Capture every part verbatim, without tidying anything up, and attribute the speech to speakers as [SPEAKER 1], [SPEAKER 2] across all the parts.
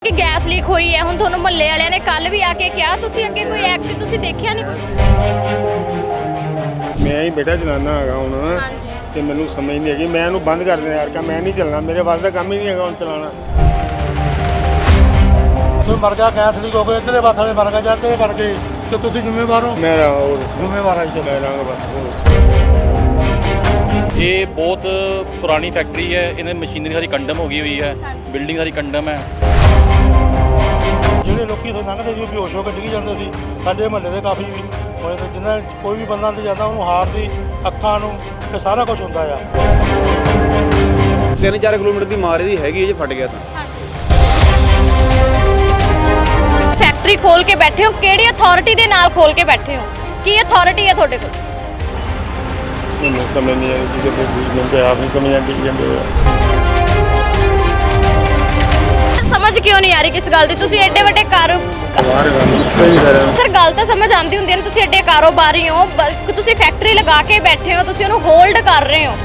[SPEAKER 1] कि gas leak हुई है हुण तुहानूं मुहल्ले वालियां ने कल भी आके कहा तुसीं अगे कोई एक्शन तुसीं देखिया नहीं कुछ।
[SPEAKER 2] मैं ही बेटा चलाना हैगा हुण ते मैनूं समझ नहीं हैगी मैं इहनूं बंद कर देना यार का मैं नहीं चलना मेरे वास दा काम ही नहीं हैगा हुण चलाना।
[SPEAKER 3] कोई मर गया गैस लीक हो गई इधर बात वाले मर गए जाते करके तो तुसीं जिम्मेवार हो।
[SPEAKER 2] मेरा और
[SPEAKER 3] जिम्मेवार है
[SPEAKER 2] मैं रंग बस
[SPEAKER 4] ये बहुत पुरानी फैक्ट्री है, इन्हें मशीनरी सारी कंडम हो गई हुई है, बिल्डिंग सारी कंडम है।
[SPEAKER 3] ਜਿਹੜੇ ਲੋਕੀ ਇੱਥੇ ਲੰਘਦੇ ਸੀ ਉਹ ਬੇਹੋਸ਼ ਹੋ ਕੇ ਡਿੱਗ ਜਾਂਦੇ ਸੀ। ਸਾਡੇ ਮਹੱਲੇ ਦੇ ਕਾਫੀ ਵੀ ਹੋਏ ਤੇ ਜਿੰਨਾ ਕੋਈ ਵੀ ਬੰਦਾ ਅੰਦਰ ਜਾਂਦਾ ਉਹਨੂੰ ਹਾਰ ਦੀ ਅੱਖਾਂ ਨੂੰ ਤੇ ਸਾਰਾ ਕੁਝ ਹੁੰਦਾ ਆ।
[SPEAKER 5] ਤਿੰਨ ਚਾਰ ਕਿਲੋਮੀਟਰ ਦੀ ਮਾਰ ਇਹਦੀ ਹੈਗੀ ਜੇ ਫਟ ਗਿਆ ਤਾਂ।
[SPEAKER 1] फैक्ट्री खोल के बैठे हो केड़ी अथॉरिटी दे नाल खोल के बैठे हो की अथॉरिटी है ਤੁਹਾਡੇ ਕੋਲ?
[SPEAKER 2] ਮੈਨੂੰ ਸਮਝ ਨਹੀਂ ਆਈ ਕਿ ਮੈਨੂੰ ਤੇ ਆਪ ਨਹੀਂ ਸਮਝ ਆਉਂਦੀ ਜਾਂਦੇ ਹੋਇਆ।
[SPEAKER 1] समझ क्यों नहीं आ रही किस गल दी तुसी एडे ਵੱਡੇ ਕਾਰੋ
[SPEAKER 2] ਬਾਹਰ ਗੱਲ ਸਹੀ ਕਰ ਰਿਹਾ
[SPEAKER 1] ਸਰ ਗੱਲ ਤਾਂ ਸਮਝ ਆਉਂਦੀ ਹੁੰਦੀ ਹੈ ਤੁਸੀਂ ਐਡੇ ਕਾਰੋਬਾਰੀ ਹੋ ਬਲਕਿ ਤੁਸੀਂ ਫੈਕਟਰੀ ਲਗਾ ਕੇ ਬੈਠੇ ਹੋ ਤੁਸੀਂ ਉਹਨੂੰ ਹੋਲਡ ਕਰ ਰਹੇ ਹੋ।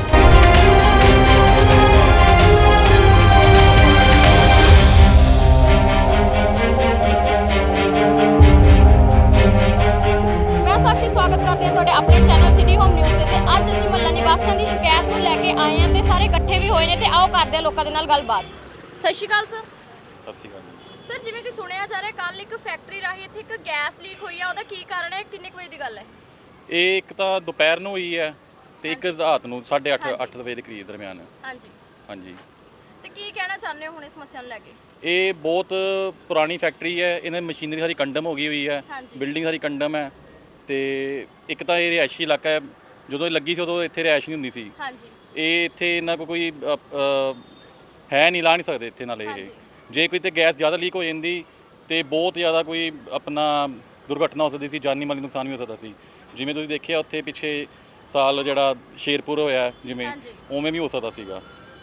[SPEAKER 1] ਮੈਂ ਸਾਖੀ ਸਵਾਗਤ ਕਰਦੀ ਹਾਂ ਤੁਹਾਡੇ ਆਪਣੇ ਚੈਨਲ ਸਿਟੀ ਹੋਮ ਨਿਊਜ਼ ਤੇ ਤੇ ਅੱਜ ਅਸੀਂ ਮੁਹੱਲਾ ਨਿਵਾਸੀਆਂ ਦੀ ਸ਼ਿਕਾਇਤ ਨੂੰ ਲੈ ਕੇ ਆਏ ਹਾਂ ਤੇ ਸਾਰੇ ਇਕੱਠੇ ਵੀ ਹੋਏ ਨੇ ਤੇ ਆਓ ਕਰਦੇ ਹਾਂ ਲੋਕਾਂ ਦੇ ਨਾਲ ਗੱਲਬਾਤ। ਸਤਿ ਸ਼੍ਰੀ ਅਕਾਲ ਸਰ।
[SPEAKER 4] ਸਤਿ ਸ਼੍ਰੀ ਅਕਾਲ।
[SPEAKER 1] ਸਰ ਜਿਵੇਂ ਕਿ ਸੁਣਿਆ ਜਾ ਰਿਹਾ ਕੱਲ ਇੱਕ ਫੈਕਟਰੀ ਰਾਹੀਂ ਇੱਥੇ ਇੱਕ ਗੈਸ ਲੀਕ ਹੋਈ ਆ ਉਹਦਾ ਕੀ ਕਾਰਨ ਹੈ ਕਿੰਨੇ ਕੁ ਵਜੇ ਦੀ ਗੱਲ ਹੈ?
[SPEAKER 4] ਇਹ ਇੱਕ ਤਾਂ ਦੁਪਹਿਰ ਨੂੰ ਹੋਈ ਹੈ ਤੇ ਇੱਕ ਰਾਤ ਨੂੰ ਸਾਢੇ ਅੱਠ ਅੱਠ ਵਜੇ ਦੇ ਕਰੀਬ ਦਰਮਿਆਨ।
[SPEAKER 1] ਹਾਂਜੀ
[SPEAKER 4] ਹਾਂਜੀ।
[SPEAKER 1] ਤੇ ਕੀ ਕਹਿਣਾ ਚਾਹੁੰਦੇ ਹੋ ਹੁਣ ਇਸ ਸਮੱਸਿਆ ਨੂੰ ਲੈ ਕੇ?
[SPEAKER 4] ਇਹ ਬਹੁਤ ਪੁਰਾਣੀ ਫੈਕਟਰੀ ਹੈ, ਇਹਨਾਂ ਦੀ ਮਸ਼ੀਨਰੀ ਸਾਰੀ ਕੰਡਮ ਹੋ ਗਈ ਹੋਈ ਹੈ,
[SPEAKER 1] ਹਾਂਜੀ।
[SPEAKER 4] ਬਿਲਡਿੰਗ ਸਾਰੀ ਕੰਡਮ ਹੈ ਤੇ ਇੱਕ ਤਾਂ ਇਹ ਰਿਹਾਇਸ਼ੀ ਇਲਾਕਾ ਹੈ। ਜਦੋਂ ਇਹ ਲੱਗੀ ਸੀ ਉਦੋਂ ਇੱਥੇ ਰਿਹਾਇਸ਼ ਨਹੀਂ ਹੁੰਦੀ ਸੀ।
[SPEAKER 1] ਹਾਂਜੀ
[SPEAKER 4] ਇਹ ਇੱਥੇ ਇਹਨਾਂ ਕੋਲ ਕੋਈ ਅ, ਅ, ਹੈ ਨਹੀਂ, ਲਾ ਨਹੀਂ ਸਕਦੇ ਇੱਥੇ ਨਾਲ ਇਹ।
[SPEAKER 1] ਹਾਂਜੀ।
[SPEAKER 4] ਜੇ ਕੋਈ ਤੇ ਗੈਸ ਜ਼ਿਆਦਾ ਲੀਕ ਹੋ ਜਾਂਦੀ ਤੇ ਬਹੁਤ ਜ਼ਿਆਦਾ ਕੋਈ ਆਪਣਾ ਦੁਰਘਟਨਾ ਹੋ ਸਕਦੀ ਸੀ, ਜਾਨੀ ਮਾਲੀ ਨੁਕਸਾਨ ਵੀ ਹੋ ਸਕਦਾ ਸੀ। ਜਿਵੇਂ ਤੁਸੀਂ ਦੇਖਿਆ ਉੱਥੇ ਪਿੱਛੇ ਸਾਲ ਜਿਹੜਾ ਸ਼ੇਰਪੁਰ ਹੋਇਆ ਜਿਵੇਂ
[SPEAKER 1] ਹਾਂਜੀ।
[SPEAKER 4] ਉਵੇਂ ਵੀ ਹੋ ਸਕਦਾ ਸੀਗਾ।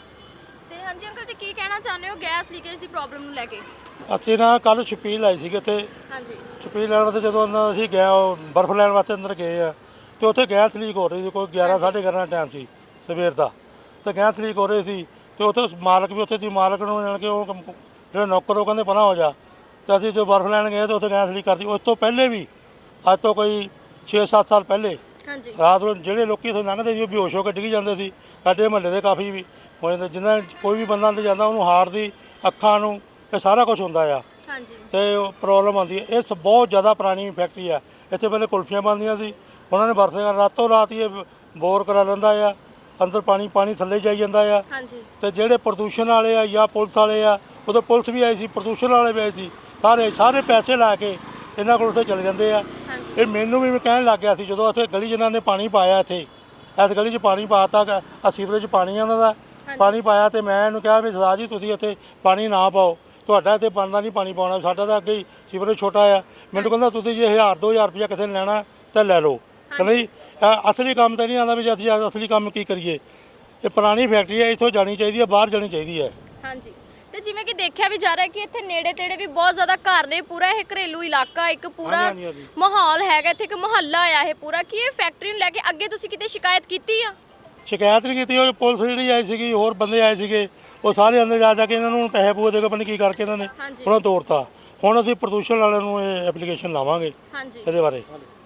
[SPEAKER 1] ਤੇ ਹਾਂਜੀ ਅੰਕਲ ਜੀ ਕੀ ਕਹਿਣਾ ਚਾਹੁੰਦੇ ਹੋ ਗੈਸ ਲੀਕੇਜ ਦੀ ਪ੍ਰੋਬਲਮ ਨੂੰ ਲੈ ਕੇ?
[SPEAKER 3] ਅਸੀਂ ਨਾ ਕੱਲ ਛਪੀਲ ਆਈ ਸੀਗੇ ਇੱਥੇ
[SPEAKER 1] ਹਾਂਜੀ
[SPEAKER 3] ਛਪੀਲ ਲੈਣ ਵਾਸਤੇ ਜਦੋਂ ਅੰਦਰ ਅਸੀਂ ਗਏ ਉਹ ਬਰਫ਼ ਲੈਣ ਵਾਸਤੇ ਅੰਦਰ ਗਏ ਆ ਤੇ ਉੱਥੇ ਗੈਸ ਲੀਕ ਹੋ ਰਹੀ ਸੀ। ਕੋਈ ਗਿਆਰਾਂ ਸਾਢੇ ਗਿਆਰਾਂ ਦਾ ਟਾਈਮ ਸੀ ਸਵੇਰ ਦਾ ਤੇ ਗੈਸ ਲੀਕ ਹੋ ਰਹੀ ਸੀ ਤੇ ਉੱਥੇ ਮਾਲਕ ਵੀ ਉੱਥੇ ਦੀ ਮਾਲਕ ਨੂੰ ਜਾਣ ਕੇ ਉਹ ਕੰਮ- ਜਿਹੜੇ ਨੌਕਰ ਉਹ ਕਹਿੰਦੇ ਪਰਾਂ ਹੋ ਜਾ ਤੇ ਅਸੀਂ ਜੋ ਬਰਫ਼ ਲੈਣ ਗਏ ਤੇ ਉੱਥੇ ਗੈਸ ਲੀਕ ਕਰਦੀ। ਉਸ ਤੋਂ ਪਹਿਲੇ ਵੀ ਅੱਜ ਤੋਂ ਕੋਈ ਛੇ ਸੱਤ ਸਾਲ ਪਹਿਲੇ
[SPEAKER 1] ਹਾਂਜੀ
[SPEAKER 3] ਰਾਤ ਨੂੰ ਜਿਹੜੇ ਲੋਕੀ ਇੱਥੇ ਲੰਘਦੇ ਸੀ ਉਹ ਬੇਹੋਸ਼ ਹੋ ਕੇ ਡਿੱਗ ਜਾਂਦੇ ਸੀ। ਸਾਡੇ ਮਹੱਲੇ ਦੇ ਕਾਫੀ ਵੀ ਹੋਏ ਤੇ ਜਿੰਨਾ ਕੋਈ ਵੀ ਬੰਦਾ ਅੰਦਰ ਜਾਂਦਾ ਉਹਨੂੰ ਹਾਰ ਦੀ ਅੱਖਾਂ ਨੂੰ ਇਹ ਸਾਰਾ ਕੁਝ ਹੁੰਦਾ ਆ
[SPEAKER 1] ਹਾਂਜੀ
[SPEAKER 3] ਤੇ ਪ੍ਰੋਬਲਮ ਆਉਂਦੀ ਹੈ। ਇਹ ਸ- ਬਹੁਤ ਜ਼ਿਆਦਾ ਪੁਰਾਣੀ ਫੈਕਟਰੀ ਆ। ਇੱਥੇ ਪਹਿਲੇ ਕੁਲਫੀਆਂ ਬਣਦੀਆਂ ਸੀ, ਉਹਨਾਂ ਨੇ ਵਰਤੇ ਰਾਤੋਂ ਰਾਤ ਹੀ ਇਹ ਬੋਰ ਕਰਾ ਲੈਂਦਾ ਆ, ਅੰਦਰ ਪਾਣੀ ਪਾਣੀ ਥੱਲੇ ਜਾਈ ਜਾਂਦਾ ਆ।
[SPEAKER 1] ਹਾਂਜੀ
[SPEAKER 3] ਤੇ ਜਿਹੜੇ ਪ੍ਰਦੂਸ਼ਣ ਵਾਲੇ ਆ ਜਾਂ ਪੁਲਿਸ ਵਾਲੇ ਆ ਉਦੋਂ ਪੁਲਿਸ ਵੀ ਆਈ ਸੀ, ਪ੍ਰਦੂਸ਼ਣ ਵਾਲੇ ਵੀ ਆਏ ਸੀ, ਸਾਰੇ ਸਾਰੇ ਪੈਸੇ ਲਾ ਕੇ ਇਹਨਾਂ ਕੋਲ ਉੱਥੇ ਚਲੇ ਜਾਂਦੇ ਆ।
[SPEAKER 1] ਹਾਂਜੀ
[SPEAKER 3] ਇਹ ਮੈਨੂੰ ਵੀ ਕਹਿਣ ਲੱਗ ਗਿਆ ਸੀ ਜਦੋਂ ਇੱਥੇ ਗਲੀ ਜਿਨ੍ਹਾਂ ਨੇ ਪਾਣੀ ਪਾਇਆ ਇੱਥੇ ਇਸ ਗਲੀ 'ਚ ਪਾਣੀ ਪਾਤਾ ਆ ਸੀਵਰੇਜ ਪਾਣੀ ਆ ਉਹਨਾਂ ਦਾ ਪਾਣੀ ਪਾਇਆ ਤੇ ਮੈਂ ਇਹਨੂੰ ਕਿਹਾ ਵੀ ਸਰਦਾਰ ਜੀ ਤੁਸੀਂ ਇੱਥੇ ਪਾਣੀ ਨਾ ਪਾਓ, ਤੁਹਾਡਾ ਇੱਥੇ ਬਣਦਾ ਨਹੀਂ ਪਾਣੀ ਪਾਉਣਾ, ਸਾਡਾ ਤਾਂ ਅੱਗੇ ਹੀ ਸੀਵਰੇਜ ਛੋਟਾ ਆ। ਮੈਨੂੰ ਕਹਿੰਦਾ ਤੁਸੀਂ ਜੇ ਹਜ਼ਾਰ ਦੋ ਹਜ਼ਾਰ ਰੁਪਇਆ ਕਿਸੇ ਨੇ ਲੈਣਾ ਤਾਂ ਲੈ ਲਓ ਕਿ ਨਹੀਂ। ਅ- ਅਸਲੀ ਕੰਮ ਤਾਂ ਨਹੀਂ ਆਉਂਦਾ ਵੀ ਅਸੀਂ ਅਸਲੀ ਕੰਮ ਕੀ ਕਰੀਏ। ਇਹ ਪੁਰਾਣੀ ਫੈਕਟਰੀ ਹੈ, ਇੱਥੋਂ ਜਾਣੀ ਚਾਹੀਦੀ ਹੈ, ਬਾਹਰ ਜਾਣੀ ਚਾਹੀਦੀ ਹੈ।
[SPEAKER 1] ਹਾਂਜੀ ਤੇ ਜਿਵੇਂ ਕਿ ਦੇਖਿਆ ਵੀ ਜਾ ਰਿਹਾ ਕਿ ਇੱਥੇ ਨੇੜੇ ਤੇੜੇ ਵੀ ਬਹੁਤ ਜ਼ਿਆਦਾ ਘਰ ਨੇ, ਪੂਰਾ ਇਹ ਘਰੇਲੂ ਇਲਾਕਾ ਇੱਕ ਪੂਰਾ
[SPEAKER 3] ਹਾਂਜੀ, ਹਾਂਜੀ, ਹਾਂਜੀ।
[SPEAKER 1] ਮਾਹੌਲ ਹੈਗਾ ਇੱਥੇ, ਇੱਕ ਮੁਹੱਲਾ ਆਇਆ ਇਹ ਪੂਰਾ। ਕੀ ਇਹ ਫੈਕਟਰੀ ਨੂੰ ਲੈ ਕੇ ਅੱਗੇ ਤੁਸੀਂ ਕਿਤੇ ਸ਼ਿਕਾਇਤ ਕੀਤੀ ਆ?
[SPEAKER 3] ਸ਼ਿਕਾਇਤ ਨਹੀਂ ਕੀਤੀ, ਉਹ ਪੁਲਿਸ ਜਿਹੜੀ ਆਈ ਸੀਗੀ ਹੋਰ ਬੰਦੇ ਆਏ ਸੀਗੇ ਉਹ ਸਾਰੇ ਅੰਦਰ ਜਾ ਜਾ ਕੇ ਇਹਨਾਂ ਨੂੰ ਪੈਸੇ ਪੂਏ ਦੇ ਕੇ ਪਤਾ ਕੀ ਕਰਕੇ ਇਹਨਾਂ ਨੇ
[SPEAKER 1] ਹਾਂਜੀ।
[SPEAKER 3] ਉਹਨਾਂ ਤੋੜਤਾ। ਹੁਣ ਅਸੀਂ ਪ੍ਰਦੂਸ਼ਣ ਵਾਲਿਆਂ ਨੂੰ ਇਹ ਐਪਲੀਕੇਸ਼ਨ ਲਾਵਾਂਗੇ
[SPEAKER 1] ਹਾਂਜੀ
[SPEAKER 3] ਇਹਦੇ ਬਾਰੇ।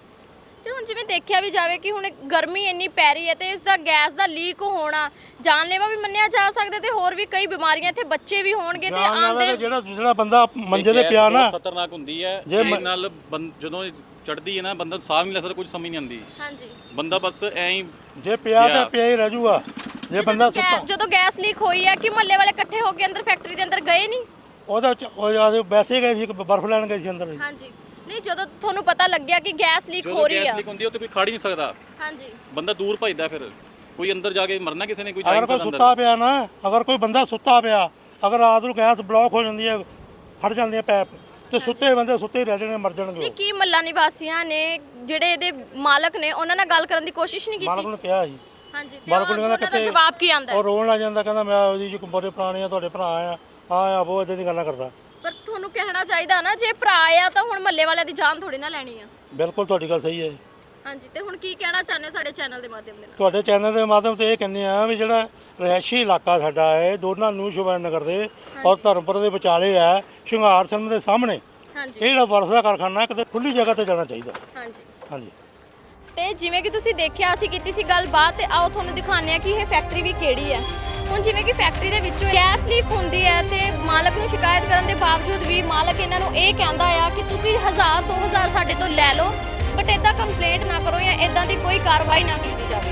[SPEAKER 1] ਤੇ ਹੁਣ ਜਿਵੇਂ ਦੇਖਿਆ ਵੀ ਜਾਵੇ ਕਿ ਹੁਣ ਗਰਮੀ ਇੰਨੀ ਪੈ ਰਹੀ ਹੈ ਤੇ ਇਸ ਦਾ ਗੈਸ ਦਾ ਲੀਕ ਹੋਣਾ ਜਾਨਲੇਵਾ ਵੀ ਮੰਨਿਆ ਜਾ ਸਕਦਾ ਤੇ ਹੋਰ ਵੀ ਕਈ ਬਿਮਾਰੀਆਂ ਇੱਥੇ ਬੱਚੇ ਵੀ ਹੋਣਗੇ ਤੇ
[SPEAKER 3] ਜਾਨਲੇਵਾ
[SPEAKER 1] ਆਉਂਦੇ
[SPEAKER 3] ਤਾਂ ਜਿਹੜਾ ਜਿਹੜਾ ਬੰਦਾ ਮੰਜੇ ਤੇ
[SPEAKER 4] ਗੈਸ
[SPEAKER 3] ਪਿਆ ਨਾ
[SPEAKER 4] ਬਹੁਤ ਖਤਰਨਾਕ ਹੁੰਦੀ ਹੈ।
[SPEAKER 3] ਜੇ
[SPEAKER 4] ਇਹਦੇ
[SPEAKER 3] ਮ-
[SPEAKER 4] ਨਾਲ ਬੰ- ਜਦੋਂ ਚੜਦੀ ਹੈ ਨਾ ਬੰਦਾ ਸਾਹ ਨਹੀਂ ਲੈ ਸਕਦਾ, ਕੁਝ ਸਮਝ ਨਹੀਂ ਆਉਂਦੀ।
[SPEAKER 1] ਹਾਂਜੀ
[SPEAKER 4] ਬੰਦਾ ਬਸ ਐਂ ਹੀ
[SPEAKER 3] ਜੇ ਪਿਆ
[SPEAKER 4] ਪਿਆ।
[SPEAKER 3] ਤੇ ਪਿਆ ਹੀ ਰਹਿ ਜਾਊਗਾ। ਜੇ ਬੰਦਾ
[SPEAKER 1] ਜਦੋਂ
[SPEAKER 3] ਸੁੱਤਾ
[SPEAKER 1] ਗੈ- ਜਦੋਂ ਗੈਸ ਲੀਕ ਹੋਈ ਹੈ ਕਿ ਮੁਹੱਲੇ ਵਾਲੇ ਇਕੱਠੇ ਹੋ ਕੇ ਅੰਦਰ ਫੈਕਟਰੀ ਦੇ ਅੰਦਰ ਗਏ ਨਹੀਂ?
[SPEAKER 3] ਉਹਦਾ ਚ- ਉਹ ਜਦ ਵੈਸੇ ਗਏ ਸੀ ਬਰਫ਼ ਲੈਣ ਗਏ ਸੀ ਅੰਦਰ।
[SPEAKER 1] ਹਾਂਜੀ ਨਹੀਂ ਜਦੋਂ ਤੁਹਾਨੂੰ ਪਤਾ ਲੱਗਿਆ ਕਿ ਗੈਸ ਲੀਕ ਹੋ
[SPEAKER 4] ਜਦੋਂ
[SPEAKER 1] ਰਹੀ
[SPEAKER 4] ਗੈਸ
[SPEAKER 1] ਆ?
[SPEAKER 4] ਲੀਕ ਹੁੰਦੀ ਹੈ ਉੱਥੇ ਕੋਈ ਖੜ ਹੀ ਨਹੀਂ ਸਕਦਾ,
[SPEAKER 1] ਹਾਂਜੀ
[SPEAKER 4] ਬੰਦਾ ਦੂਰ ਭੱਜਦਾ। ਫਿਰ ਕੋਈ ਅੰਦਰ ਜਾ ਕੇ ਮਰਨਾ ਕਿਸੇ ਨੇ, ਕੋਈ ਜਾ ਹੀ
[SPEAKER 3] ਅਗਰ
[SPEAKER 4] ਨਹੀਂ
[SPEAKER 3] ਕੋਈ
[SPEAKER 4] ਸਕਦਾ
[SPEAKER 3] ਸੁੱਤਾ
[SPEAKER 4] ਅੰਦਰ।
[SPEAKER 3] ਪਿਆ ਨਾ ਅਗਰ ਕੋਈ ਬੰਦਾ ਸੁੱਤਾ ਪਿਆ ਅਗਰ ਰਾਤ ਨੂੰ ਗੈਸ ਬਲੌਕ ਹੋ ਜਾਂਦੀ ਹੈ ਫਟ ਜਾਂਦੀ ਹੈ ਪੈਪ ਤੇ ਸੁੱਤੇ ਬੰਦੇ ਸੁੱਤੇ ਹੀ ਰਹਿ ਜਾਣੇ ਮਰ ਜਾਣਗੇ।
[SPEAKER 1] ਨਹੀਂ
[SPEAKER 3] ਉਹ।
[SPEAKER 1] ਕੀ ਮੱਲਾ ਨਿਵਾਸੀਆਂ ਨੇ ਜਿਹੜੇ ਇਹਦੇ ਮਾਲਕ ਨੇ ਉਹਨਾਂ ਨਾਲ ਗੱਲ ਕਰਨ ਦੀ ਕੋਸ਼ਿਸ਼ ਨਹੀਂ
[SPEAKER 3] ਮਾਲਕ
[SPEAKER 1] ਕੀਤੀ?
[SPEAKER 3] ਨੂੰ ਕਿਹਾ ਸੀ
[SPEAKER 1] ਹਾਂਜੀ ਤੇ
[SPEAKER 3] ਮਾਲਕ ਨੂੰ
[SPEAKER 1] ਉਹਨਾਂ
[SPEAKER 3] ਕਹਿੰਦਾ
[SPEAKER 1] ਦਾ
[SPEAKER 3] ਕਿੱਥੇ
[SPEAKER 1] ਜਵਾਬ ਕੀ ਆਂਦਾ?
[SPEAKER 3] ਉਹ ਰੋਣ ਲੱਗ ਜਾਂਦਾ ਕਹਿੰਦਾ ਮੈਂ ਉਹਦੀ ਜੋ ਬੜੇ ਪੁਰਾਣੇ ਆ ਤੁਹਾਡੇ ਭਰਾ ਆ ਆ ਆ ਬਹੁਤ ਇਦਾਂ ਦੀ ਗੱਲਾਂ ਕਰਦਾ।
[SPEAKER 1] ਪਰ ਤੁਹਾਨੂੰ ਕਹਿਣਾ ਚਾਹੀਦਾ ਨਾ ਜੇ ਭਰਾ ਆ ਤਾਂ ਹੁਣ ਮੱਲੇ ਵਾਲਿਆਂ ਦੀ ਜਾਨ ਥੋੜੀ ਨਾ ਲੈਣੀ ਆ।
[SPEAKER 3] ਬਿਲਕੁਲ ਤੁਹਾਡੀ ਗੱਲ ਸਹੀ ਹੈ।
[SPEAKER 1] ਹਾਂਜੀ ਤੇ ਹੁਣ ਕੀ ਕਹਿਣਾ ਚਾਹੁੰਦੇ ਹੋ ਸਾਡੇ ਚੈਨਲ ਦੇ ਮਾਧਿਅਮ ਦੇ ਨਾਲ?
[SPEAKER 3] ਤੁਹਾਡੇ ਚੈਨਲ ਦੇ ਮਾਧਿਅਮ ਤੇ ਇਹ ਕਹਿੰਦੇ ਆ ਵੀ ਜਿਹੜਾ ਰਿਹਾਇਸ਼ੀ ਇਲਾਕਾ ਸਾਡਾ ਹੈ ਦੋਨਾਂ ਨੂੰ ਸ਼ੋਭਾ ਨਗਰ ਦੇ ਔਰ ਧਰਮਪੁਰ ਦੇ ਵਿਚਾਲੇ ਹੈ ਸ਼ਿੰਗਾਰ ਸਿੰਘ ਦੇ ਸਾਹਮਣੇ,
[SPEAKER 1] ਹਾਂਜੀ
[SPEAKER 3] ਇਹ ਜਿਹੜਾ ਬਰਫ਼ ਦਾ ਕਾਰਖਾਨਾ ਕਿਤੇ ਖੁੱਲੀ ਜਗ੍ਹਾ ਤੇ ਜਾਣਾ ਚਾਹੀਦਾ।
[SPEAKER 1] ਹਾਂਜੀ
[SPEAKER 3] ਹਾਂਜੀ
[SPEAKER 1] ਤੇ ਜਿਵੇਂ ਕਿ ਤੁਸੀਂ ਦੇਖਿਆ ਅਸੀਂ ਕੀਤੀ ਸੀ ਗੱਲਬਾਤ ਤੇ ਆਓ ਤੁਹਾਨੂੰ ਦਿਖਾਉਂਦੇ ਆ ਕਿ ਇਹ ਫੈਕਟਰੀ ਵੀ ਕਿਹੜੀ ਹੈ। ਹੁਣ ਜਿਵੇਂ ਕਿ ਫੈਕਟਰੀ ਦੇ ਵਿੱਚੋਂ ਗੈਸ ਲੀਕ ਹੁੰਦੀ ਹੈ ਤੇ ਮਾਲਕ ਨੂੰ ਸ਼ਿਕਾਇਤ ਕਰਨ ਦੇ ਬਾਵਜੂਦ ਵੀ ਮਾਲਕ ਇਹਨਾਂ ਨੂੰ ਇਹ ਕਹਿੰਦਾ ਆ ਕਿ ਤੁਸੀਂ ਹਜ਼ਾਰ ਦੋ ਹਜ਼ਾਰ ਸਾਡੇ ਤੋਂ ਲੈ ਲਓ ਬਟ ਇਦਾਂ ਕੰਪਲੇਂਟ ਨਾ ਕਰੋ ਜਾਂ ਇਦਾਂ ਦੀ ਕੋਈ ਕਾਰਵਾਈ ਨਾ ਕੀਤੀ ਜਾਵੇ।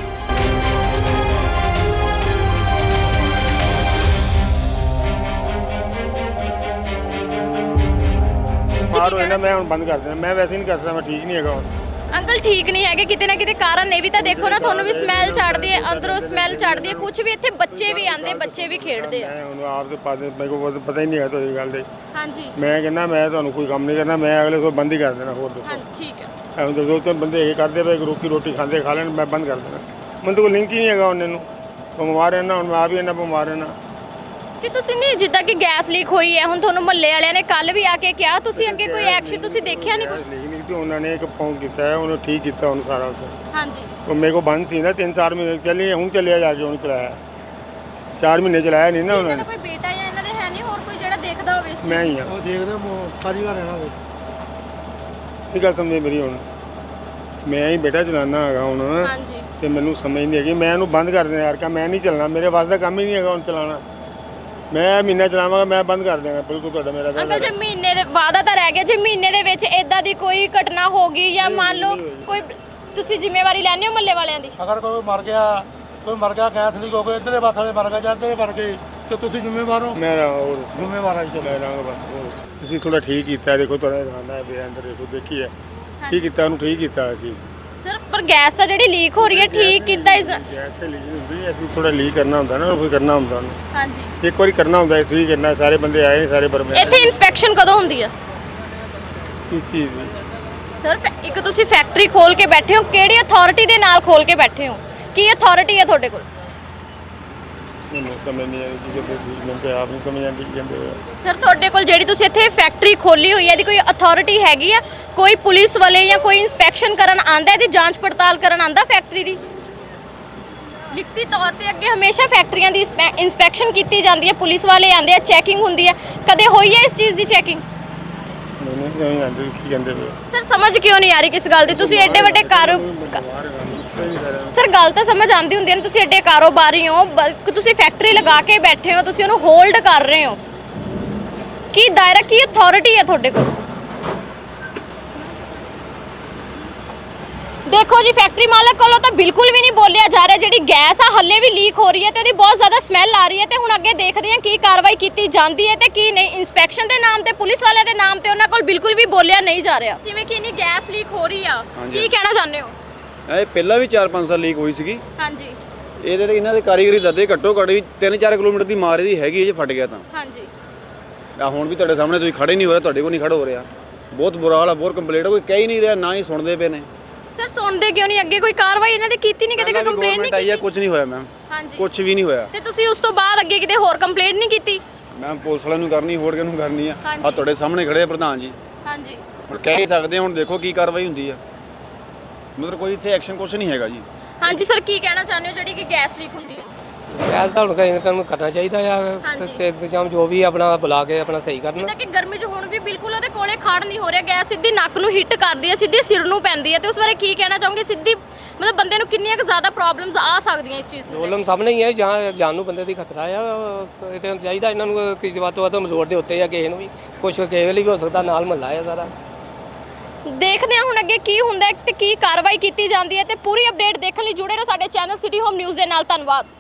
[SPEAKER 2] ਮਾਰ ਹੋਏ ਨਾ ਮੈਂ ਹੁਣ ਬੰਦ ਕਰ ਦੇਣਾ, ਮੈਂ ਵੈਸੇ ਹੀ ਨਹੀਂ ਕਰ ਸਕਦਾ, ਮੈਂ ਠੀਕ ਨਹੀਂ ਹੈਗਾ ਹੁਣ।
[SPEAKER 1] ਅੰਕਲ ਠੀਕ ਨਹੀਂ ਹੈਗੇ, ਕਿਤੇ ਨਾ ਕਿਤੇ ਕਾਰਨ ਇਹ ਵੀ ਤਾਂ ਦੇਖੋ ਨਾ, ਤੁਹਾਨੂੰ ਵੀ ਸਮੈਲ ਚੜਦੀ ਹੈ, ਅੰਦਰੋਂ ਸਮੈਲ ਚੜਦੀ ਹੈ, ਕੁਝ ਵੀ ਇੱਥੇ ਬੱਚੇ ਵੀ ਆਂਦੇ, ਬੱਚੇ ਵੀ ਖੇਡਦੇ ਆ।
[SPEAKER 2] ਮੈਂ ਹੁਣ ਆਪ ਤੇ ਪਾ ਦੇ, ਮੇਰੇ ਕੋਲ ਪਤਾ ਹੀ ਨਹੀਂ ਹੈ ਤੁਹਾਡੀ ਗੱਲ ਦੇ।
[SPEAKER 1] ਹਾਂਜੀ
[SPEAKER 2] ਮੈਂ ਕਹਿੰਦਾ ਮੈਂ ਤੁਹਾਨੂੰ ਕੋਈ ਕੰਮ ਨਹੀਂ ਕਰਨਾ, ਮੈਂ ਅਗਲੇ ਤੋਂ ਬੰਦ ਹੀ ਕਰ ਦੇਣਾ। ਹੋਰ ਦੱਸੋ,
[SPEAKER 1] ਹਾਂਜੀ ਠੀਕ ਹੈ।
[SPEAKER 2] ਐਵੇਂ ਦੋ ਦੋ ਤਿੰਨ ਬੰਦੇ ਇਹ ਕਰਦੇ ਪਏ, ਰੋਟੀ ਰੋਟੀ ਖਾਂਦੇ ਖਾ ਲੈਣ, ਮੈਂ ਬੰਦ ਕਰ ਦੇਣਾ। ਮੈਨੂੰ ਤਾਂ ਕੋਈ ਲਿੰਕ ਹੀ ਨਹੀਂ ਹੈਗਾ ਉਹਨਾਂ ਨੂੰ, ਬਿਮਾਰ ਰਹਿਣਾ, ਹੁਣ ਮੈਂ ਆਪ ਹੀ ਇੰਨਾ ਬਿਮਾਰ ਰਹਿਣਾ।
[SPEAKER 1] ਕਿ ਤੁਸੀਂ ਨਹੀਂ, ਜਿੱਦਾਂ ਕਿ ਗੈਸ ਲੀਕ ਹੋਈ ਹੈ ਹੁਣ ਤੁਹਾਨੂੰ ਮਹੱਲੇ ਵਾਲਿਆਂ ਨੇ ਕੱਲ ਵੀ ਆ ਕੇ ਕਿਹਾ, ਤੁਸੀਂ ਅੱਗੇ ਕੋਈ ਐਕਸ਼ਨ ਤੁਸੀਂ ਦੇਖਿਆ ਨਹੀਂ ਕੁਝ?
[SPEAKER 2] ਨਹੀਂ ਨਹੀਂ ਤੇ ਉਹਨਾਂ ਨੇ ਇੱਕ ਫੋਨ ਕੀਤਾ ਹੈ, ਉਹਨੇ ਠੀਕ ਕੀਤਾ ਉਹਨੂੰ ਸਾਰਾ ਉੱਥੇ।
[SPEAKER 1] ਹਾਂਜੀ
[SPEAKER 2] ਉਹ ਮੇਰੇ ਕੋਲ ਬੰਦ ਸੀ ਨਾ ਤਿੰਨ ਚਾਰ ਮਹੀਨੇ ਚੱਲੀ, ਹੁਣ ਚੱਲਿਆ ਜਾ ਕੇ ਹੁਣ ਚਲਾਇਆ, ਚਾਰ ਮਹੀਨੇ ਚਲਾਇਆ ਨਹੀਂ ਨਾ ਉਹਨਾਂ
[SPEAKER 1] ਇਹਨਾਂ
[SPEAKER 2] ਨੇ।
[SPEAKER 1] ਦਾ ਕੋਈ ਬੇਟਾ ਜਾਂ ਇਹਨਾਂ ਦੇ ਹੈ ਨਹੀਂ ਹੋਰ ਕੋਈ ਜਿਹੜਾ ਦੇਖਦਾ ਹੋਵੇ ਇਸ ਚੀਜ਼
[SPEAKER 2] ਮੈਂ ਹੀ ਆ,
[SPEAKER 3] ਉਹ ਦੇਖਦੇ ਸਾਰੀ ਵਾਰ ਰਹਿਣਾ ਦੇ
[SPEAKER 2] ਇਹ ਗੱਲ ਸਮਝੇ ਮੇਰੀ। ਹੁਣ ਮੈਂ ਹੀ ਬੇਟਾ ਚਲਾਨਾ ਹੈਗਾ ਹੁਣ,
[SPEAKER 1] ਹਾਂਜੀ
[SPEAKER 2] ਤੇ ਮੈਨੂੰ ਸਮਝ ਨਹੀਂ ਹੈਗੀ, ਮੈਂ ਇਹਨੂੰ ਬੰਦ ਕਰ ਦੇਣਾ ਯਾਰ, ਕਾ ਮੈਂ ਨਹੀਂ ਚੱਲਣਾ, ਮੇਰੇ ਵਾਸ ਦਾ ਕੰਮ ਹੀ ਨਹੀਂ ਹੈਗਾ ਹੁਣ ਚਲਾਉਣਾ। ਮੈਂ ਮਹੀਨਾ ਚਲਾਵਾਂਗਾ, ਮੈਂ ਬੰਦ ਕਰ ਦਿਆਂਗਾ ਬਿਲਕੁਲ। ਤੁਹਾਡਾ ਮੇਰਾ
[SPEAKER 1] ਅੰਕਲ ਜੇ ਮਹੀਨੇ ਦੇ ਵਾਅਦਾ ਤਾਂ ਰਹਿ ਗਿਆ, ਜੇ ਮਹੀਨੇ ਦੇ ਵਿੱਚ ਇਦਾਂ ਦੀ ਕੋਈ ਘਟਨਾ ਹੋ ਗਈ ਜਾਂ ਮੰਨ ਲਓ ਕੋਈ, ਤੁਸੀਂ ਜ਼ਿੰਮੇਵਾਰੀ ਲੈਣੇ ਹੋ ਮਹੱਲੇ ਵਾਲਿਆਂ ਦੀ?
[SPEAKER 3] ਅਗਰ ਕੋਈ ਮਰ ਗਿਆ, ਕੋਈ ਮਰ ਗਿਆ ਗੈਸ ਲੀਕ ਹੋ ਗਿਆ, ਇੱਧਰਲੇ ਪਾਸੇ ਵਾਲੇ ਮਰ ਗਏ ਜਾਂ ਇੱਧਰਲੇ ਮਰ ਗਏ ਤੇ ਤੁਸੀਂ ਜ਼ਿੰਮੇਵਾਰ ਹੋ?
[SPEAKER 2] ਮੇਰਾ ਹੋਰ ਦੱਸੋ।
[SPEAKER 3] ਜ਼ਿੰਮੇਵਾਰ ਆ ਜੀ।
[SPEAKER 2] ਮੈਂ ਰੰਗ ਬਸ ਅਸੀਂ ਥੋੜਾ ਠੀਕ ਕੀਤਾ, ਦੇਖੋ ਤੁਹਾਡਾ ਖਾਣਾ ਹੈ ਪਿਆ ਅੰਦਰ, ਦੇਖੋ ਦੇਖੀ ਹੈ ਕੀ ਕੀਤਾ, ਉਹਨੂੰ ਠੀਕ ਕੀਤਾ ਅਸੀਂ।
[SPEAKER 1] ਸਰ ਪਰ ਗੈਸ ਤਾਂ ਜਿਹੜੀ ਲੀਕ ਹੋ ਰਹੀ ਹੈ ਠੀਕ ਕੀਤਾ ਇਸ।
[SPEAKER 2] ਗੈਸ ਤੇ ਲੀਕ ਹੁੰਦੀ, ਅਸੀਂ ਥੋੜਾ ਲੀਕ ਕਰਨਾ ਹੁੰਦਾ ਨਾ, ਉਹ ਕਰਨਾ ਹੁੰਦਾ ਉਹਨੂੰ
[SPEAKER 1] ਹਾਂਜੀ
[SPEAKER 2] ਇੱਕ ਵਾਰੀ ਕਰਨਾ ਹੁੰਦਾ, ਠੀਕ ਕਰਨਾ। ਸਾਰੇ ਬੰਦੇ ਆਏ ਨੇ, ਸਾਰੇ ਪਰਮੇ
[SPEAKER 1] ਇੱਥੇ ਇਨਸਪੈਕਸ਼ਨ ਕਦੋਂ ਹੁੰਦੀ ਆ?
[SPEAKER 2] ਕਿਸ ਚੀਜ਼ ਦੀ?
[SPEAKER 1] ਸਰ ਫੈ- ਇੱਕ ਤੁਸੀਂ ਫੈਕਟਰੀ ਖੋਲ ਕੇ ਬੈਠੇ ਹੋ, ਕਿਹੜੀ ਅਥਾਰਟੀ ਦੇ ਨਾਲ ਖੋਲ ਕੇ ਬੈਠੇ ਹੋ? ਕੀ ਅਥਾਰਟੀ ਹੈ ਤੁਹਾਡੇ ਕੋਲ?
[SPEAKER 2] ਮੈਨੂੰ ਸਮਝ ਨਹੀਂ ਆਈ ਕੀ ਕਹਿੰਦੇ ਸੀ, ਮੈਨੂੰ ਤਾਂ ਆਪ ਨਹੀਂ ਸਮਝ ਆਉਂਦੀ ਕੀ ਕਹਿੰਦੇ ਹੋਏ।
[SPEAKER 1] ਸਰ ਤੁਹਾਡੇ ਕੋਲ ਜਿਹੜੀ ਤੁਸੀਂ ਇੱਥੇ ਫੈਕਟਰੀ ਖੋਲੀ ਹੋਈ ਹੈ ਇਹਦੀ ਕੋਈ ਅਥਾਰਟੀ ਹੈਗੀ ਆ? ਕੋਈ ਪੁਲਿਸ ਵਾਲੇ ਜਾਂ ਕੋਈ ਇਨਸਪੈਕਸ਼ਨ ਕਰਨ ਆਂਦਾ, ਇਹਦੀ ਜਾਂਚ ਪੜਤਾਲ ਕਰਨ ਆਂਦਾ ਫੈਕਟਰੀ ਦੀ? ਲਿਖਤੀ ਤੌਰ ਤੇ ਅੱਗੇ ਹਮੇਸ਼ਾ ਫੈਕਟਰੀਆਂ ਦੀ ਇਨਸਪੈਕਸ਼ਨ ਕੀਤੀ ਜਾਂਦੀ ਹੈ, ਪੁਲਿਸ ਵਾਲੇ ਆਂਦੇ ਆ, ਚੈਕਿੰਗ ਹੁੰਦੀ ਹੈ, ਕਦੇ ਹੋਈ ਹੈ ਇਸ ਚੀਜ਼ ਦੀ ਚੈਕਿੰਗ?
[SPEAKER 2] ਮੈਨੂੰ ਨਹੀਂ ਸਮਝ ਆਉਂਦੀ ਕੀ ਕਹਿੰਦੇ ਪਏ।
[SPEAKER 1] ਸਰ ਸਮਝ ਕਿਉਂ ਨਹੀਂ ਆ ਰਹੀ ਕਿਸ ਗੱਲ ਦੀ? ਤੁਸੀਂ ਐਡੇ ਵੱਡੇ ਕਾਰੋ ਸਰ ਗੱਲ ਤਾਂ ਸਮਝ ਆਉਂਦੀ ਹੁੰਦੀ ਹੈ, ਤੁਸੀਂ ਐਡੇ ਕਾਰੋਬਾਰੀ ਹੋ, ਬਲਕਿ ਤੁਸੀਂ ਫੈਕਟਰੀ ਲਗਾ ਕੇ ਬੈਠੇ ਹੋ, ਤੁਸੀਂ ਉਹਨੂੰ ਹੋਲਡ ਕਰ ਰਹੇ ਹੋ, ਕੀ ਦਾਇਰਾ, ਕੀ ਅਥਾਰਟੀ ਹੈ ਤੁਹਾਡੇ ਕੋਲ? ਦੇਖੋ ਜੀ ਫੈਕਟਰੀ ਮਾਲਕ ਕੋਲੋਂ ਤਾਂ ਬਿਲਕੁਲ ਵੀ ਨਹੀਂ ਬੋਲਿਆ ਜਾ ਰਿਹਾ, ਜਿਹੜੀ ਗੈਸ ਆ ਹੱਲੇ ਵੀ ਲੀਕ ਹੋ ਰਹੀ ਹੈ ਤੇ ਉਹਦੀ ਬਹੁਤ ਜ਼ਿਆਦਾ ਸਮੈਲ ਆ ਰਹੀ ਹੈ ਤੇ ਹੁਣ ਅੱਗੇ ਦੇਖਦੇ ਹਾਂ ਕੀ ਕਾਰਵਾਈ ਕੀਤੀ ਜਾਂਦੀ ਹੈ ਤੇ ਕੀ ਨਹੀਂ। ਇਨਸਪੈਕਸ਼ਨ ਦੇ ਨਾਮ ਤੇ, ਪੁਲਿਸ ਵਾਲਿਆਂ ਦੇ ਨਾਮ ਤੇ ਉਹਨਾਂ ਕੋਲ ਬਿਲਕੁਲ ਵੀ ਬੋਲਿਆ ਨਹੀਂ ਜਾ ਰਿਹਾ। ਜਿਵੇਂ ਕਿ ਇੰਨੀ ਗੈਸ ਲੀਕ ਹੋ ਰਹੀ ਆ, ਕੀ ਕਹਿਣਾ ਚਾਹੁੰਦੇ ਹੋ?
[SPEAKER 5] ਇਹ ਪਹਿਲਾਂ ਵੀ ਚਾਰ ਪੰਜ ਸਾਲ ਲੀਕ ਹੋਈ ਸੀਗੀ।
[SPEAKER 1] ਹਾਂਜੀ
[SPEAKER 5] ਇਹਦੇ ਤੇ ਇਹਨਾਂ ਦੇ ਕਾਰੀਗਰੀ ਦੱਦੇ ਘੱਟੋ ਘੱਟ ਵੀ ਤਿੰਨ ਚਾਰ ਕਿਲੋਮੀਟਰ ਦੀ ਮਾਰ ਦੀ ਹੈਗੀ ਜੇ ਫਟ ਗਿਆ ਤਾਂ।
[SPEAKER 1] ਹਾਂਜੀ
[SPEAKER 5] ਆ ਹੁਣ ਵੀ ਤੁਹਾਡੇ ਸਾਹਮਣੇ ਤੁਸੀਂ ਖੜੇ ਨਹੀਂ ਹੋ ਰਹੇ, ਤੁਹਾਡੇ ਕੋਲ ਨਹੀਂ ਖੜਾ ਹੋ ਰਿਹਾ, ਬਹੁਤ ਬੁਰਾ ਹਾਲ ਆ, ਬਹੁਤ ਕੰਪਲੀਟ, ਕੋਈ ਕਹਿ ਹੀ ਨਹੀਂ ਰਿਹਾ, ਨਾ ਹੀ ਸੁਣਦੇ ਪਏ ਨੇ।
[SPEAKER 1] ਸਰ ਸੁਣਦੇ ਕਿਉਂ ਨਹੀਂ? ਅੱਗੇ ਕੋਈ ਕਾਰਵਾਈ ਇਹਨਾਂ ਦੀ ਕੀਤੀ ਨਹੀਂ, ਕਦੇ ਕੋਈ ਕੰਪਲੇਂਟ ਨਹੀਂ
[SPEAKER 5] ਆਈ ਆ,
[SPEAKER 1] ਕੀਤੀ?
[SPEAKER 5] ਕੁਝ ਨਹੀਂ ਹੋਇਆ ਮੈਮ,
[SPEAKER 1] ਹਾਂਜੀ
[SPEAKER 5] ਕੁਝ ਵੀ ਨਹੀਂ ਹੋਇਆ।
[SPEAKER 1] ਤੇ ਤੁਸੀਂ ਉਸ ਤੋਂ ਬਾਅਦ ਅੱਗੇ ਕਿਤੇ ਹੋਰ ਕੰਪਲੇਂਟ ਨਹੀਂ ਕੀਤੀ?
[SPEAKER 5] ਮੈਮ ਪੁਲਿਸ ਵਾਲਿਆਂ ਨੂੰ ਕਰਨੀ, ਹੋਰ ਕਿਹਨੂੰ ਕਰਨੀ ਆ?
[SPEAKER 1] ਹਾਂਜੀ।
[SPEAKER 5] ਆ ਤੁਹਾਡੇ ਸਾਹਮਣੇ ਖੜੇ ਆ ਪ੍ਰਧਾਨ ਜੀ,
[SPEAKER 1] ਹਾਂਜੀ
[SPEAKER 5] ਹੁਣ ਕਹਿ ਹੀ ਸਕਦੇ, ਹੁਣ ਦੇਖੋ ਕੀ ਕਾਰਵਾਈ ਹੁੰਦੀ ਆ। ਮਤਲਬ ਕੋਈ ਇੱਥੇ ਐਕਸ਼ਨ ਕੁਝ ਨਹੀਂ ਹੈਗਾ ਜੀ।
[SPEAKER 1] ਹਾਂਜੀ ਸਰ ਕੀ ਕਹਿਣਾ ਚਾਹੁੰਦੇ ਹੋ ਜਿਹੜੀ ਕਿ ਗੈਸ ਲੀਕ ਹੁੰਦੀ ਹੈ?
[SPEAKER 6] ਗੈਸ ਦਾ ਹੁਣ ਤੁਹਾਨੂੰ ਕਰਨਾ ਚਾਹੀਦਾ ਆ,
[SPEAKER 1] ਹਾਂਜੀ।
[SPEAKER 6] ਸ- ਇੰਤਜ਼ਾਮ ਜੋ ਵੀ ਆਪਣਾ ਬੁਲਾ ਕੇ ਆਪਣਾ ਸਹੀ ਕਰਨ।
[SPEAKER 1] ਜਿੱਦਾਂ ਕਿ ਗਰਮੀ 'ਚ ਹੁਣ ਵੀ ਬਿਲਕੁਲ ਉਹਦੇ ਕੋਲੇ ਖੜ ਨਹੀਂ ਹੋ ਰਿਹਾ, ਗੈਸ ਸਿੱਧੀ ਨੱਕ ਨੂੰ ਹਿੱਟ ਕਰਦੀ ਹੈ, ਸਿੱਧੀ ਸਿਰ ਨੂੰ ਪੈਂਦੀ ਹੈ, ਤੇ ਉਸ ਬਾਰੇ ਕੀ ਕਹਿਣਾ ਚਾਹੋਗੇ? ਸਿੱਧੀ ਮਤਲਬ ਬੰਦੇ ਨੂੰ ਕਿੰਨੀਆਂ ਕੁ ਜ਼ਿਆਦਾ ਪ੍ਰੋਬਲਮਸ ਆ ਸਕਦੀਆਂ ਇਸ ਚੀਜ਼ ਨੂੰ?
[SPEAKER 6] ਪ੍ਰੋਬਲਮ ਸਾਹਮਣੇ ਹੀ ਹੈ, ਜਾਂ ਜਾਨ ਨੂੰ ਬੰਦੇ ਦੀ ਖਤਰਾ ਆ। ਇਹ ਤਾਂ ਚਾਹੀਦਾ ਇਹਨਾਂ ਨੂੰ ਕਿਸੇ ਵੱਧ ਤੋਂ ਵੱਧ ਰੋਡ ਦੇ ਉੱਤੇ ਜਾਂ ਕਿਸੇ ਨੂੰ ਵੀ ਕੁਛ ਕਿਸੇ ਵੇਲੇ ਵੀ ਹੋ ਸਕਦਾ, ਨਾਲ ਮਹੱਲਾ ਆ ਸਾਰਾ।
[SPEAKER 1] ਦੇਖਦੇ ਹਾਂ ਹੁਣ ਅੱਗੇ ਕੀ ਹੁੰਦਾ ਹੈ ਤੇ ਕੀ ਕਾਰਵਾਈ ਕੀਤੀ ਜਾਂਦੀ ਹੈ, ਤੇ ਪੂਰੀ ਅਪਡੇਟ ਦੇਖਣ ਲਈ ਜੁੜੇ ਰਹੋ ਸਾਡੇ ਚੈਨਲ ਸਿਟੀ ਹੋਮ ਨਿਊਜ਼ ਦੇ ਨਾਲ। ਧੰਨਵਾਦ।